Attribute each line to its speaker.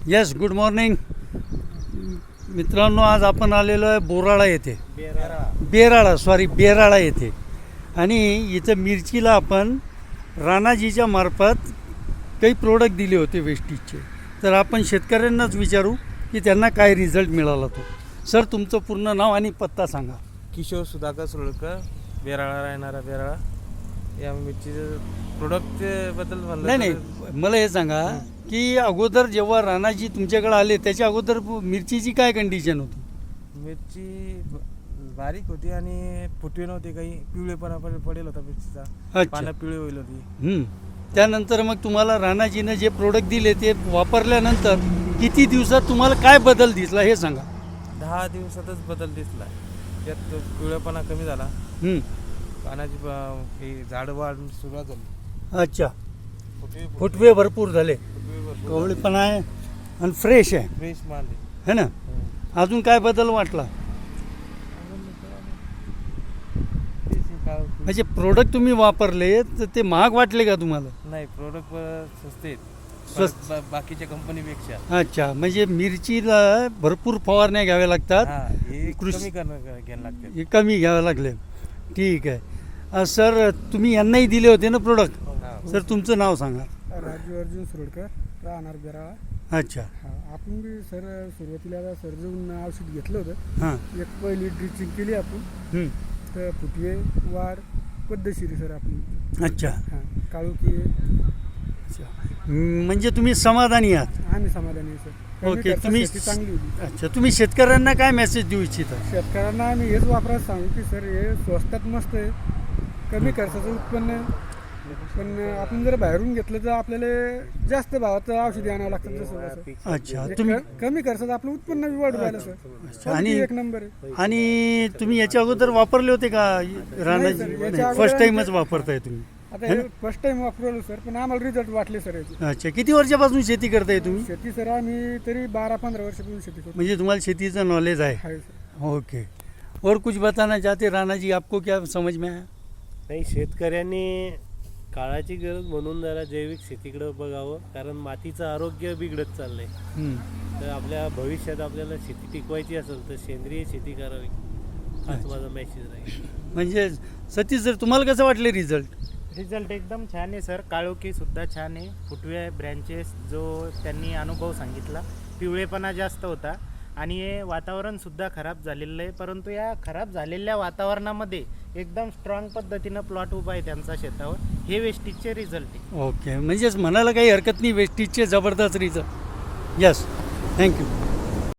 Speaker 1: Yes, good morning मित्रांनो. आज आपण आलेलो आहे बोराळा येथे, बेराळा येथे. आणि इथं मिरचीला आपण राणाजीच्या मार्फत काही प्रोडक्ट दिले होते वेस्टेजचे. तर आपण शेतकऱ्यांनाच विचारू की त्यांना काय रिझल्ट मिळाला तो. सर, तुमचं पूर्ण नाव आणि पत्ता सांगा.
Speaker 2: किशोर सुधाकर सुरळकर, बेराळा राहणारा बेराळा. या मिरचीचं प्रोडक्टबद्दल म्हणलं
Speaker 1: नाही, मला हे सांगा की अगोदर जेव्हा राणाजी तुमच्याकडे आले त्याच्या अगोदर मिरचीची काय कंडिशन होती?
Speaker 2: मिरची बारीक होती आणि फुटवे नव्हते, काही पिवळेपणा पडेल होता मिरचीचा.
Speaker 1: अच्छा.
Speaker 2: पानं पिवळे होईल होती.
Speaker 1: त्यानंतर मग तुम्हाला राणाजीनं जे प्रोडक्ट दिले ते वापरल्यानंतर किती दिवसात तुम्हाला काय बदल दिसला हे सांगा.
Speaker 2: 10 दिवसातच बदल दिसला. त्यात पिवळेपणा कमी झाला, पानाची ही झाड वाढ सुरुवात झाली.
Speaker 1: अच्छा, फुटवे भरपूर झाले, कवळेपणा आहे आणि फ्रेश आहे,
Speaker 2: फ्रेश माल
Speaker 1: है ना. अजून काय बदल वाटला? म्हणजे प्रोडक्ट तुम्ही वापरले तर ते महाग वाटले का तुम्हाला?
Speaker 2: नाही, प्रोडक्ट स्वस्त आहेत,
Speaker 1: स्वस्त
Speaker 2: बाकीच्या कंपनीपेक्षा.
Speaker 1: अच्छा, म्हणजे मिरचीला भरपूर फवारण्या घ्याव्या लागतात,
Speaker 2: कमी घ्यायला लागते.
Speaker 1: हे कमी घ्यावे लागले. ठीक आहे. सर, तुम्ही यांनाही दिले होते ना प्रोडक्ट? सर, तुमचं नाव सांगा.
Speaker 3: राजू अर्जुन सुरळकर, राहणार बेराळा.
Speaker 1: अच्छा.
Speaker 3: आपण बी सर सुरुवातीला सर जाऊन औषध घेतलं होतं.
Speaker 1: हां.
Speaker 3: एक पहिली ड्रिचिंग केली आपण, तर फुटवे वाढ पद्धतशीर सर आपण.
Speaker 1: अच्छा.
Speaker 3: काळोखी
Speaker 1: म्हणजे तुम्ही समाधानी आहात?
Speaker 3: आम्ही समाधानी आहे सर.
Speaker 1: ओके. तुम्ही
Speaker 3: चांगली होती.
Speaker 1: अच्छा, तुम्ही शेतकऱ्यांना काय मेसेज देऊ इच्छिता?
Speaker 3: शेतकऱ्यांना आम्ही हेच वापरायला सांगू की सर हे स्वस्तात मस्त आहे, कमी खर्चाचं उत्पन्न आहे. पण आपण जर बाहेरून घेतलं तर आपल्याला जास्त भावाचं औषधी आणावं लागतं. जसं
Speaker 1: अच्छा, तुम्ही
Speaker 3: कमी खर्चात आपलं उत्पन्न बी वाढू राहिलं सर.
Speaker 1: आणि
Speaker 3: एक नंबर आहे.
Speaker 1: आणि तुम्ही याच्या अगोदर वापरले होते का राणाजी?
Speaker 3: याच्या अगोदर
Speaker 1: फर्स्ट टाइमच वापरताय तुम्ही?
Speaker 3: आता फर्स्ट टाइम वापरलो सर, पण आम्हाला रिझल्ट वाटले सर याचे.
Speaker 1: अच्छा, किती वर्षापासून शेती करताय तुम्ही?
Speaker 3: शेती सर आम्ही तरी 12-15 वर्षापासून शेती करतो.
Speaker 1: म्हणजे तुम्हाला शेतीचं नॉलेज आहे?
Speaker 3: सर.
Speaker 1: ओके. और कुछ बताना चाहते राणा जी, आपको क्या समझ में आया?
Speaker 4: नाही, शेतकऱ्यांनी काळाची गरज म्हणून जरा जैविक शेतीकडे बघावं, कारण मातीचं आरोग्य बिघडत चाललंय. तर आपल्या भविष्यात आपल्याला शेती टिकवायची असेल तर सेंद्रिय शेती करावी, हाच माझा मेसेज राहील.
Speaker 1: म्हणजे सतीश सर, तुम्हाला कसं वाटले रिझल्ट?
Speaker 5: रिझल्ट एकदम छान आहे सर. काळोखी सुद्धा छान आहे, फुटवे ब्रँचेस जो त्यांनी अनुभव सांगितला, पिवळेपणा जास्त होता आणि हे वातावरणसुद्धा खराब झालेलं आहे. परंतु या खराब झालेल्या वातावरणामध्ये एकदम स्ट्रॉंग पद्धतीनं प्लॉट उभा आहे त्यांचा शेतावर. हे वेस्टेजचे रिझल्ट आहे.
Speaker 1: ओके, म्हणजेच म्हणायला काही हरकत नाही, वेस्टेजचे जबरदस्त रिझल्ट. Yes, thank you.